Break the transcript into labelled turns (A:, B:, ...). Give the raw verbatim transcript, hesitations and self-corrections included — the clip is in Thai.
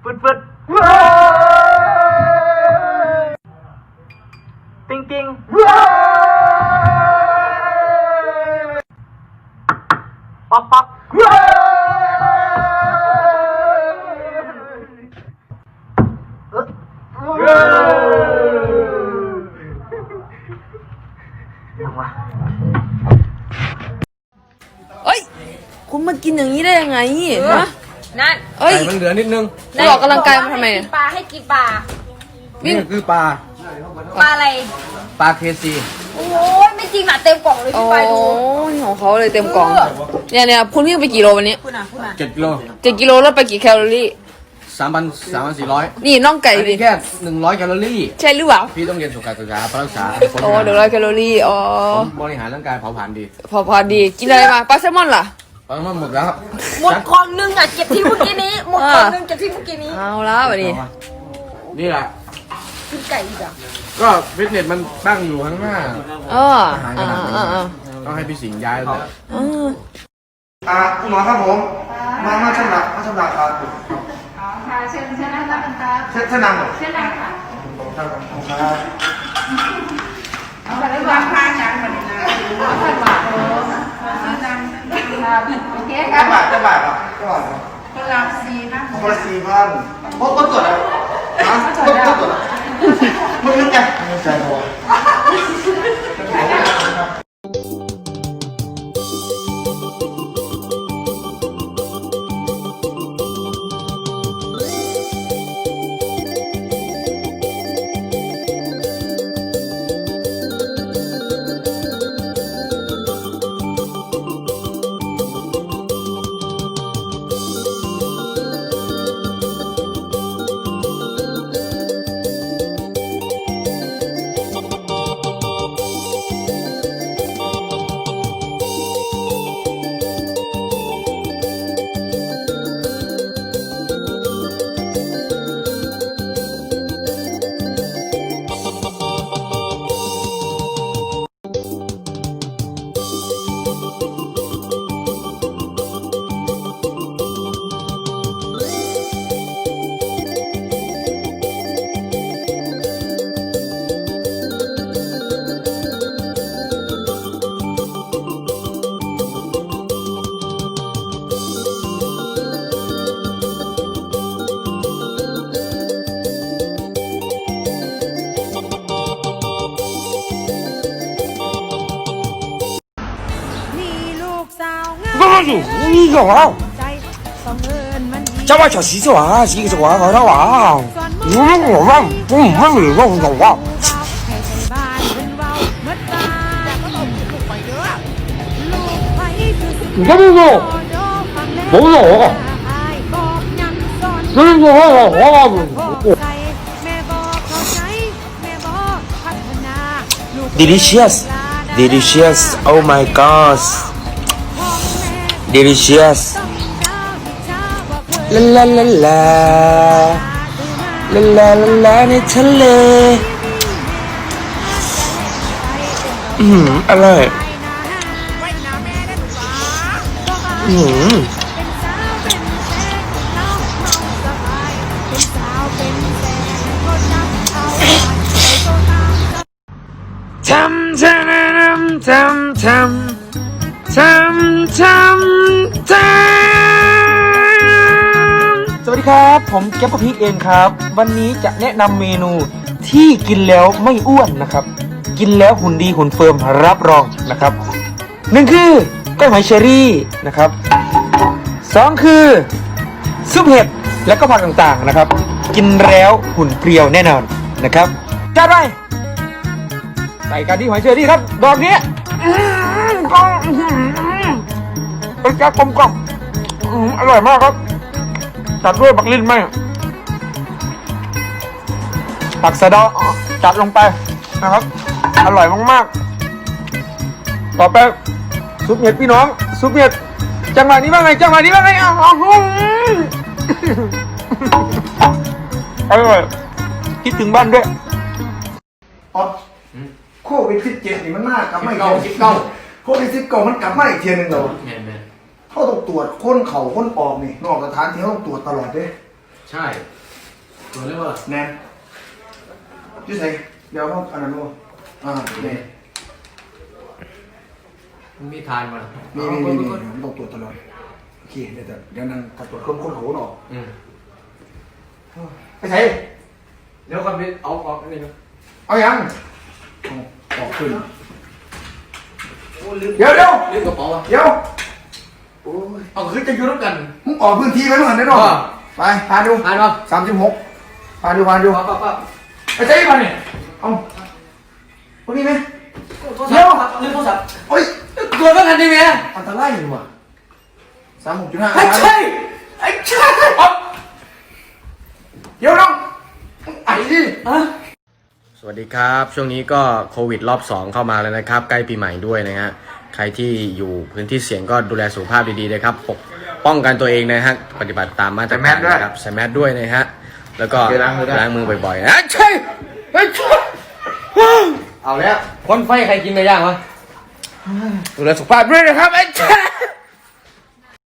A: ฟึดฟึดติงติงป๊อกป๊อก
B: เอ้ยคุณมากินอย่างนี้ได้ยังไงฮะ
C: นั่น
B: เอ้ย
D: ไก่มันเหลือนิดนึง
B: คุณออกกำลังกายมาทำไม
C: ให้กินปลาให้กินปลา
D: นี่คือปลา
C: ปลาอะไร
D: ปลาเคซี
C: โอ้ยไม่จริงอ่ะเต็มกล่องเลย
B: โอ้
C: พี่ไปดู
B: ยของเขาเลยเต็มกล่องเนี่ยเนี่ยคุณวิ่งไปกี่โลวันนี้
C: คุณอ่ะคุณอ่ะ
D: เจ็ดกิโล
B: เจ็ดกิโลลดไปกี่แคลอรี่
D: สามพันสามพันสี่ร้อย
B: นี่น่องไก่
D: อัน
B: ดิ
D: นี้แค่หนึ่งร้อยแคลอรี่
B: ใช่หรือเปล่า
D: พี่ต้องเรียนสุขศึกษาปรักษา
B: โอ้เดี๋ยวร้อยแคลอรี่อ๋อ
D: ผมบริหารร่างกายเผาผลาญดี
B: พอพอดีกินอะไรมาปลาแซลมอนล่ะ
D: ตอนนั้นหมดแล้วครับ
C: หมดกล่องนึงอ่ะเก็บที่เมื่อกี้นี้หมดกล่องนึงเก็บที่เมื่อกี้นี้
B: เอาละวันนี้
D: นี่แหละ
C: กินไก่อีกอ่ะ
D: ก็ฟิตเนสมันตั้งอยู่ข้างหน้า
B: เอออ่าอ่าอ่า
D: ต้องให้พี่สิงห์ย้ายเลย
B: อ่า
E: อ่าคุณหมอครับผม มามาชำระมาชำระครับ
F: อ๋อค่ะเชิญเชิญนั่งรับกันครับ
E: เส้นเส้นนังเหรอ
F: เชิญนั่งค่ะ
E: ครับครับ
F: เอาไปแล้ววางผ้าจังมาดีนะเอาไปวางโอ้เชิญนั่งครับโอเคครั
E: จะ
F: บ
E: บาทจะบาทเหรอจะบาทเหรอ
F: คนละสี่นะ
E: คนละสี่พันพบก็ตรวจแล้วฮะพบก็ตรวจแล้วมึงนึกไงมึงใจพอ
G: 你干嘛？这把小洗手啊，洗个手啊，好像哇！嗯，我忘，我唔忘你忘我忘。你看这个，冇咗我，你我我我我。Delicious, delicious. Oh my gosh. Delicious. La la la la. La la la la ในทะเลอืมอร่อยอืมทำทำทำทำทำทำทำสวัสดีครับผมแก๊ปกะพริกเองครับวันนี้จะแนะนำเมนูที่กินแล้วไม่อ้วนนะครับกินแล้วหุ่นดีหุ่นเฟิร์มรับรองนะครับหนึ่งคือก้อยหอยเชอรี่นะครับสองคือซุปเห็ดและก็ผักต่างๆนะครับกินแล้วหุ่นเปรียวแน่นอนนะครับจัดไปใส่กันที่หอยเชอรี่ครับดอกนี้ก็เป็นแก๊สกลมกล่อมอร่อยมากครับจัดด้วยบักลิ้นไหมผักสะเดาจัดลงไปนะครับอร่อยมากๆต่อไปซุปเห็ดพี่น้องซุปเห็ดจังหวะนี้ว่าไงจังหวะนี้ว่าไงอ้าวอร่อยคิดถึงบ้านด้วย
E: อ๋อโควิดสิบเจ็ดนี่มันมากกลับมาอีก
D: สิบเก้า
E: โควิดสิบเก้ามันกลับมาอีกเทียหนึงเหรอ
D: แมนแมน
E: เขาต้องตรวจค้นเข่าค้นออกนี่นอกสถานที่เขาต้องตรวจตลอดเด้
D: ใช่ใช่ตัวเรียกว่า
E: แนนชื่อใส่เดี๋ยวเขาอันนั้นดูอ่าเนี่ย
D: มันมีทานมา
E: มีมีมีมีผมต้องตรวจตลอดโอเคเดี๋ยวแต่เดี๋ยวนั่งกับตรวจคนคนโหนออก
D: อืม
E: ไปใส่
D: เดี๋ยวก่อนพี่เอาออกนี่นะ
E: เอายังเอาออกขึ้นเดี๋ยวเดี๋ยว
D: ลืมกระเป๋าอ่ะ
E: เดี๋ยวโอ้ย
D: เอาคือจะอยู่ร่วมกัน
E: มึงออกพื้นที่ไปเมื่อไหร่ได้หรอ
D: อ่า
E: ไปพาดู
D: ทานป่ะ
E: สามสิบหกพาดูพาดู
D: ปั๊บปั๊บปั๊บ
E: ไปใส่มาเนี่ยเอาคนนี้ไหมเดี๋ยว
D: ลืมโทรศัพท์
E: โอ้ย
D: ตัวเมื่อกันดีไหม
E: อันตรายอยู่ว่ะสามหกจุดห้า
D: ไอ้ใช่ไอ้ใช่
E: เดี๋ยวน้องไอ้ดิ
H: สวัสดีครับ ช่วงนี้ก็โควิดรอบสองเข้ามาแล้วนะครับ ใกล้ปีใหม่ด้วยนะฮะใครที่อยู่พื้นที่เสี่ยงก็ดูแลสุขภาพดีๆนะครับปกป้องกันตัวเองนะฮะปฏิบัติตามมาตรการนะครับใส่แมสด้วยนะฮะแล้วก็ล้างมือบ่อยๆนะใช่ไอ้ใช่
D: เอาแล้ว
H: คนไฟใครกินไปย่างวะดูแลสุขภาพด้วยนะครับไอ้ใช่